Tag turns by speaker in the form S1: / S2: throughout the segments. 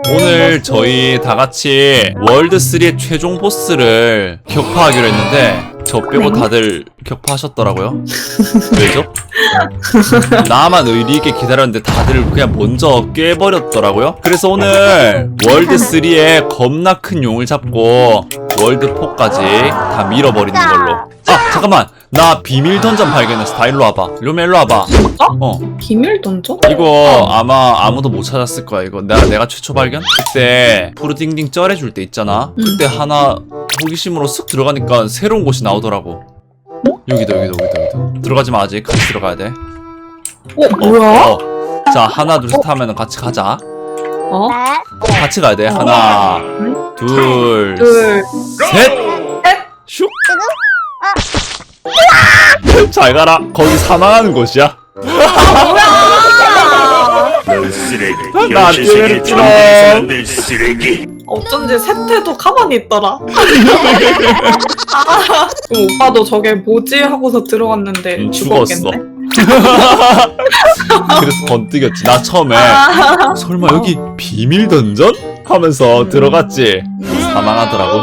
S1: 오늘 저희 다 같이 월드3의 최종 보스를 격파하기로 했는데 저 빼고 다들 격파하셨더라고요. 왜죠? 나만 의리 있게 기다렸는데 다들 그냥 먼저 깨버렸더라고요. 그래서 오늘 월드3의 겁나 큰 용을 잡고 월드4까지 다 밀어버리는 걸로. 아 잠깐만, 나 비밀 던전 발견했어. 다 일로 와봐. 료미야 일로 와봐.
S2: 비밀 던져?
S1: 이거 아마 아무도 못 찾았을 거야. 이거 내가 최초 발견? 그때 푸르딩딩 쩔해줄 때 있잖아. 그때 하나 호기심으로 쓱 들어가니까 새로운 곳이 나오더라고. 여기도. 들어가지 마, 아직. 같이 들어가야 돼.
S2: 뭐야?
S1: 자, 하나 둘 셋 하면은 같이 가자.
S3: 네.
S1: 같이 가야 돼. 하나 둘 셋. 슉. 잘 가라. 거기 사망하는 곳이야.
S4: 넌 쓰레기.
S1: 나
S4: 현실 세계
S1: 때렸지롱.
S4: 정복의 사람들 쓰레기.
S2: 어쩐지 세태도 가만히 있더라. 그럼 오빠도 저게 뭐지 하고서 들어갔는데
S1: 죽었어.
S2: 죽었겠네.
S1: 그래서 번뜩였지. 나 처음에 설마 여기 비밀 던전? 하면서 들어갔지. 사망하더라고.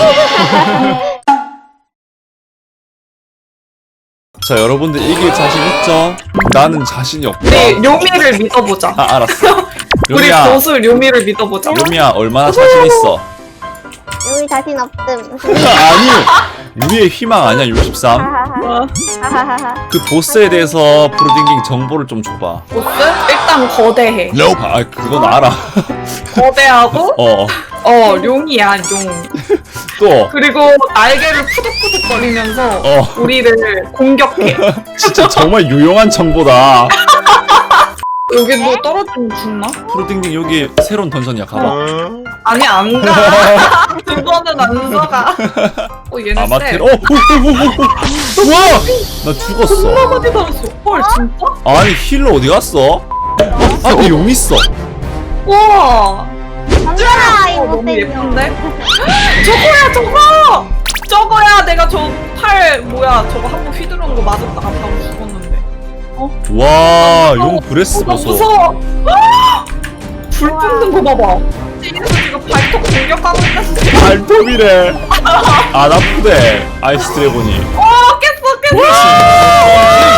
S1: 자, 여러분들 이길 자신 있죠? 나는 자신이 없다.
S2: 우리 료미를 믿어보자.
S1: 아, 알았어.
S2: 우리
S1: 료미야,
S2: 보스 료미를 믿어보자.
S1: 료미야 얼마나 자신 있어?
S3: 여기 자신 없음.
S1: 아니, 우리의 희망 아니야 63?
S3: 하하하.
S1: 그 보스에 대해서 프로딩깅 정보를 좀 줘봐.
S2: 보스? 일단 거대해.
S1: 아, 그건 알아.
S2: 거대하고 룡이야 룡.
S1: 또
S2: 그리고 날개를 푸득푸득거리면서 우리를 공격해.
S1: 진짜 정말 유용한 정보다.
S2: 여기 뭐 떨어지면 죽나?
S1: 프로딩딩 여기 새로운 던전이야. 가봐.
S2: 아니 안 가. 두 번은 안 들어가. 얘네
S1: 아마테르.
S2: 쎄.
S1: 우와! 나 죽었어.
S2: 존나 많이 달았어. 헐 진짜?
S1: 아니 힐러 어디 갔어? 아, 내 용 있어.
S2: 와.
S3: 덤벼라 이
S2: 너무
S3: 못된 년.
S2: 예쁜데? 저거야 저거! 저거야 내가 저 팔 뭐야 저거 한 번 휘두르는 거 맞았다 갔다고 죽었는데.
S1: 와, 용 브레스
S2: 나
S1: 보소.
S2: 무서워. 불 뿜는 거 봐봐. 지금 발톱 공격하고 있는데.
S1: 발톱이래. 안 아프대. 아이스 드래곤이.
S2: 깼어.